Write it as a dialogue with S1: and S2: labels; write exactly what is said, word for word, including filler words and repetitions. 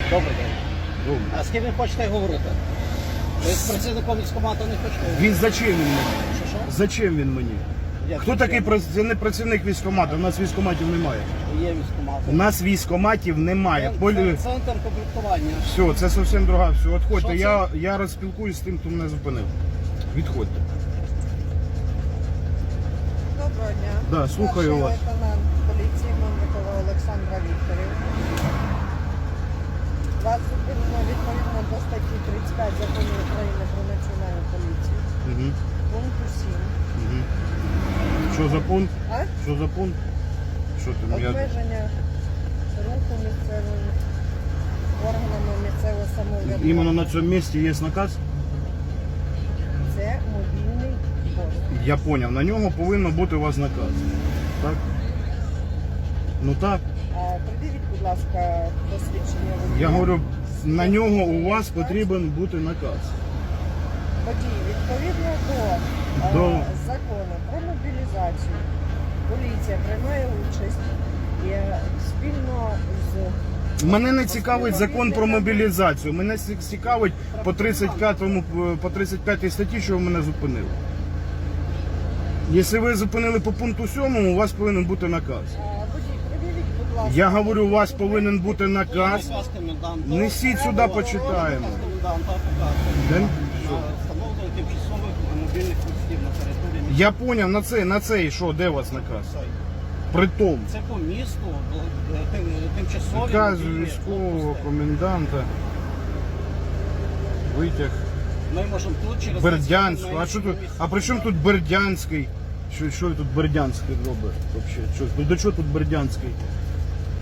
S1: Добрий день.
S2: Добре.
S1: А з ким ви хочете говорити? Ви з працівником військкомату не хочете говорити?
S2: Він зачем він мені?
S1: Що, що?
S2: Зачем він мені?
S1: Як
S2: Хто
S1: це?
S2: такий прац- це не працівник військкомату? У нас військкоматів немає.
S1: Є військкомат.
S2: У нас військкоматів немає. Полі...
S1: Це центр комплектування.
S2: Все, це зовсім друга. Все, відходьте.
S1: Що
S2: Я, я розспілкуюсь з тим, хто мене зупинив. Відходьте.
S3: Доброго дня.
S2: Да, слухаю
S3: Старший
S2: вас.
S3: лейтенант поліції Мельникова Олександра Вікторівна. Вас зупинено відповідно до статті тридцять п'ять Закону України про національну поліцію.
S2: Угу.
S3: Пункту сім.
S2: Угу. Що за пункт?
S3: А?
S2: Що за пункт? Що там? Я...
S3: Обмеження руху місцевими органами місцевого самоврядування.
S2: Іменно на цьому місці є наказ?
S3: Це мобільний пост.
S2: Я поняв. На нього повинно бути у вас наказ. Так? Ну так.
S3: А придивіть, будь ласка, посвідчення водія.
S2: Я говорю, на нього у вас потрібен бути наказ.
S3: Водій, відповідно до,
S2: До-
S3: е, закону про мобілізацію, поліція приймає участь і е, спільно з
S2: Мене не цікавить закон про мобілізацію. Мене ці- цікавить по тридцять п'ятому, по тридцять п'ятій статті, що ви мене зупинили. Якщо ви зупинили по пункту сьомому, у вас повинен бути наказ.
S3: Е, водій, придивіть, будь ласка.
S2: Я говорю, у вас повинен бути наказ.
S1: Наказ коменданта.
S2: Несіть сюди, почитаємо.
S1: Наказ коменданта показує.
S2: Де?
S1: На встановлення тимчасових мобільних пунктів на території міста.
S2: Я поняв, на цей, на цей, що, де у вас наказ? Притом.
S1: Це по місту, е, тим- тимчасові
S2: Наказ
S1: мобільні
S2: військового
S1: блокпости.
S2: коменданта. Витяг.
S1: Ми можемо тут через
S2: Бердянську. А що тут?
S1: місце.
S2: А при чому тут Бердянський? Що, що тут Бердянський робить? Вообще? Що, ну, до чого тут Бердянський?